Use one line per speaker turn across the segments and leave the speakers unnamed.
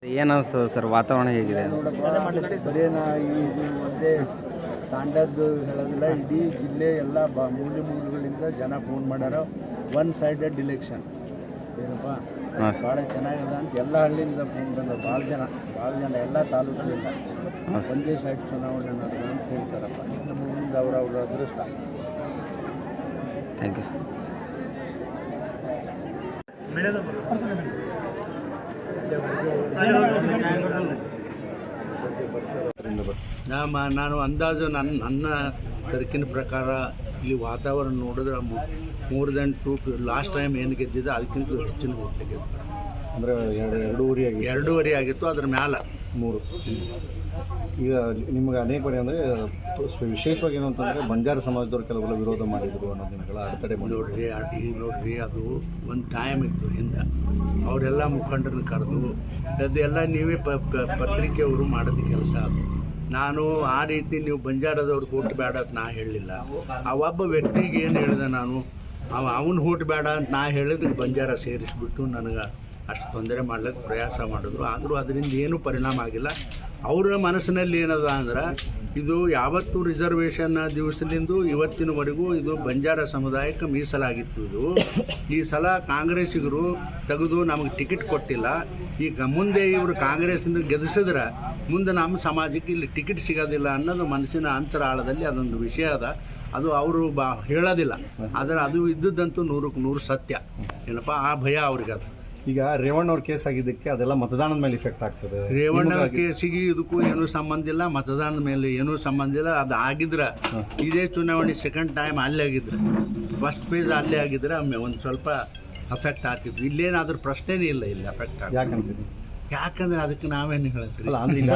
ಏನು ಅನಿಸ್ತದೆ ಸರ್, ವಾತಾವರಣ ಹೇಗಿದೆ?
ಬರೀ ಈ ಒಂದೇ ತಾಂಡದ್ದು ಹೇಳೋದಿಲ್ಲ, ಇಡೀ ಜಿಲ್ಲೆ ಎಲ್ಲ ಮೂಲೆ ಮೂಲೆಗಳಿಂದ ಜನ ಫೋನ್ ಮಾಡ್ಯಾರ. ಒನ್ ಸೈಡೆಡ್ ಇಲೆಕ್ಷನ್ ಏನಪ್ಪ ಭಾಳ ಚೆನ್ನಾಗದ ಅಂತ ಎಲ್ಲ ಹಳ್ಳಿಯಿಂದ ಫೋನ್ ಬಂದ. ಭಾಳ ಜನ ಎಲ್ಲ ತಾಲೂಕಿನಿಂದ ಒಂದೇ ಸೈಡ್ ಚುನಾವಣೆ ನಡೆದ ಅಂತ ಹೇಳ್ತಾರಪ್ಪ. ನಮ್ಮ ಮುಂದೆ ಅವ್ರ ಅದೃಷ್ಟ.
Thank you sir.
ನಾನು ಅಂದಾಜು ನನ್ನ ತರ್ಕಿನ ಪ್ರಕಾರ ಇಲ್ಲಿ ವಾತಾವರಣ ನೋಡಿದ್ರೆ ಮೋರ್ ದೆನ್ 2 ಲಾಸ್ಟ್ ಟೈಮ್ ಏನು ಗೆದ್ದಿದೆ ಅದಕ್ಕಿಂತ ಹೆಚ್ಚಿನ ಓಟ್ ಗೆದ್ದ.
ಅಂದರೆ
ಎರಡೂವರೆ ಆಗಿತ್ತು, ಅದ್ರ ಮ್ಯಾಲೆ
3. ಈಗ ನಿಮ್ಗೆ ಅನೇಕ ಬಾರಿ ಅಂದರೆ ವಿಶೇಷವಾಗಿ ಏನು ಅಂತಂದರೆ ಬಂಜಾರ ಸಮಾಜದವ್ರು ಕೆಲವರು ವಿರೋಧ ಮಾಡಿದರು ಅನ್ನೋ ದಿನಗಳ ಅಡೆತಡೆ
ನೋಡ್ರಿ ಅದು ಒಂದು ಟೈಮ್ ಇತ್ತು ಹಿಂದೆ. ಅವರೆಲ್ಲ ಮುಖಂಡರನ್ನ ಕರೆದು ಅದೆಲ್ಲ ನೀವೇ ಪತ್ರಿಕೆಯವರು ಮಾಡೋದು ಕೆಲಸ. ಅದು ನಾನು ಆ ರೀತಿ ನೀವು ಬಂಜಾರದವ್ರಿಗೆ ಓಟ್ ಬೇಡ ಅಂತ ನಾ ಹೇಳಲಿಲ್ಲ. ಆ ಒಬ್ಬ ವ್ಯಕ್ತಿಗೆ ಏನು ಹೇಳಿದೆ ನಾನು, ಅವನು ಓಟ್ ಬೇಡ ಅಂತ ನಾ ಹೇಳಿದ್ರೆ ಬಂಜಾರ ಸೇರಿಸ್ಬಿಟ್ಟು ನನಗೆ ಅಷ್ಟು ತೊಂದರೆ ಮಾಡ್ಲಿಕ್ಕೆ ಪ್ರಯಾಸ ಮಾಡಿದ್ರು. ಆದರೂ ಅದರಿಂದ ಏನೂ ಪರಿಣಾಮ ಆಗಿಲ್ಲ. ಅವರ ಮನಸ್ಸಿನಲ್ಲಿ ಏನದ ಅಂದ್ರೆ, ಇದು ಯಾವತ್ತೂ ರಿಸರ್ವೇಷನ್ ದಿವಸದಿಂದ ಇವತ್ತಿನವರೆಗೂ ಇದು ಬಂಜಾರ ಸಮುದಾಯಕ್ಕೆ ಮೀಸಲಾಗಿತ್ತು. ಇದು ಈ ಸಲ ಕಾಂಗ್ರೆಸ್ಸಿಗರು ತೆಗೆದು ನಮಗೆ ಟಿಕೆಟ್ ಕೊಟ್ಟಿಲ್ಲ. ಈಗ ಮುಂದೆ ಇವರು ಕಾಂಗ್ರೆಸ್ನ ಗೆಲ್ಲಿಸಿದ್ರೆ ಮುಂದೆ ನಮ್ಮ ಸಮಾಜಕ್ಕೆ ಇಲ್ಲಿ ಟಿಕೆಟ್ ಸಿಗೋದಿಲ್ಲ ಅನ್ನೋದು ಮನಸ್ಸಿನ ಅಂತರಾಳದಲ್ಲಿ ಅದೊಂದು ವಿಷಯ ಅದ. ಅದು ಅವರು ಹೇಳೋದಿಲ್ಲ, ಆದರೆ ಅದು ಇದ್ದದ್ದಂತೂ 100ಕ್ಕೆ 100 ಸತ್ಯ. ಏನಪ್ಪ ಆ ಭಯ ಅವ್ರಿಗೆ ಅದು.
ಈಗ ರೇವಣ್ಣ ಅವ್ರ ಕೇಸ್ ಆಗಿದ್ದಕ್ಕೆ ಅದೆಲ್ಲ ಮತದಾನದ ಮೇಲೆ ಇಫೆಕ್ಟ್ ಆಗ್ತದೆ.
ರೇವಣ್ಣ ಕೇಸಿಗೆ ಇದಕ್ಕೂ ಏನೂ ಸಂಬಂಧ ಇಲ್ಲ, ಮತದಾನದ ಮೇಲೆ ಏನೂ ಸಂಬಂಧ ಇಲ್ಲ. ಅದು ಆಗಿದ್ರೆ ಇದೇ ಚುನಾವಣೆ ಸೆಕೆಂಡ್ ಟೈಮ್ ಅಲ್ಲೇ ಆಗಿದ್ರೆ, ಫಸ್ಟ್ ಫೇಸ್ ಅಲ್ಲೇ ಆಗಿದ್ರೆ ಒಂದು ಸ್ವಲ್ಪ ಅಫೆಕ್ಟ್ ಆಗ್ತಿತ್ತು. ಇಲ್ಲೇನಾದ್ರೂ ಪ್ರಶ್ನೆನೇ ಇಲ್ಲ, ಇಲ್ಲಿ ಅಫೆಕ್ಟ್ ಆಗ. ಯಾಕಂದ್ರೆ ಅದಕ್ಕೆ ನಾವೇನು ಹೇಳ್ತೀವಿ,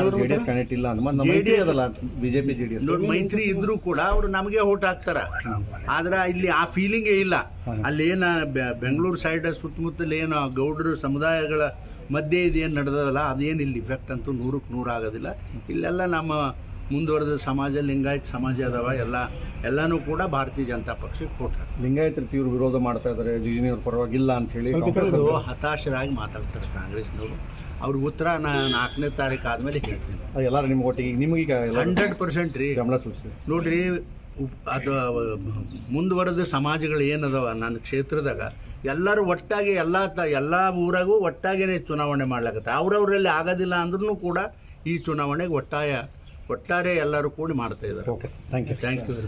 ಬಿಜೆಪಿ ಜೆಡಿಎಸ್
ನೋಡಿ ಮೈತ್ರಿ ಇದ್ರೂ ಕೂಡ ಅವರು ನಮಗೆ ಓಟ್ ಹಾಕ್ತಾರ. ಆದ್ರೆ ಇಲ್ಲಿ ಆ ಫೀಲಿಂಗೇ ಇಲ್ಲ. ಅಲ್ಲಿ ಏನ ಬೆಂಗಳೂರು ಸೈಡ್ ಸುತ್ತಮುತ್ತಲು ಏನು ಗೌಡರು ಸಮುದಾಯಗಳ ಮಧ್ಯೆ ಇದೇನು ನಡೆದಲ್ಲ, ಅದೇನು ಇಲ್ಲಿ ಇಫೆಕ್ಟ್ ಅಂತೂ 100ಕ್ಕೆ 100 ಆಗೋದಿಲ್ಲ. ಇಲ್ಲೆಲ್ಲ ನಮ್ಮ ಮುಂದುವರೆದ ಸಮಾಜ, ಲಿಂಗಾಯತ್ ಸಮಾಜ ಅದಾವ, ಎಲ್ಲನೂ ಕೂಡ ಭಾರತೀಯ ಜನತಾ ಪಕ್ಷಕ್ಕೆ ಓಟ್ ಹಾಕ್ತಾರೆ.
ಲಿಂಗಾಯತ್ ತೀವ್ರ ವಿರೋಧ ಮಾಡ್ತಾ ಇದ್ದಾರೆ, ಜಿಜಿನಿಯವ್ರ ಪರವಾಗಿಲ್ಲ ಅಂತ ಹೇಳಿ
ಹತಾಶರಾಗಿ ಮಾತಾಡ್ತಾರೆ ಕಾಂಗ್ರೆಸ್ನವರು. ಅವ್ರಿಗೆ ಉತ್ತರ ನಾನು 4ನೇ ತಾರೀಕು ಆದಮೇಲೆ ಹೇಳ್ತೀನಿ.
ಎಲ್ಲರೂ ನಿಮ್ಗೆ ಒಟ್ಟಿಗೆ ನಿಮಗೀಗ
100% ರೀ
ಗಮನ ಸೂಚಿಸಿ
ನೋಡ್ರಿ. ಅದು ಮುಂದುವರೆದ ಸಮಾಜಗಳು ಏನದವ ನನ್ನ ಕ್ಷೇತ್ರದಾಗ ಎಲ್ಲರೂ ಒಟ್ಟಾಗಿ ಎಲ್ಲ ಊರಾಗೂ ಒಟ್ಟಾಗೇ ಚುನಾವಣೆ ಮಾಡ್ಲಾಗತ್ತೆ. ಅವ್ರವರಲ್ಲಿ ಆಗೋದಿಲ್ಲ ಅಂದ್ರೂ ಕೂಡ ಈ ಚುನಾವಣೆಗೆ ಒಟ್ಟಾರೆ ಎಲ್ಲರೂ ಕೂಡಿ ಮಾಡ್ತಾ ಇದ್ದಾರೆ.
Okay sir, thank you.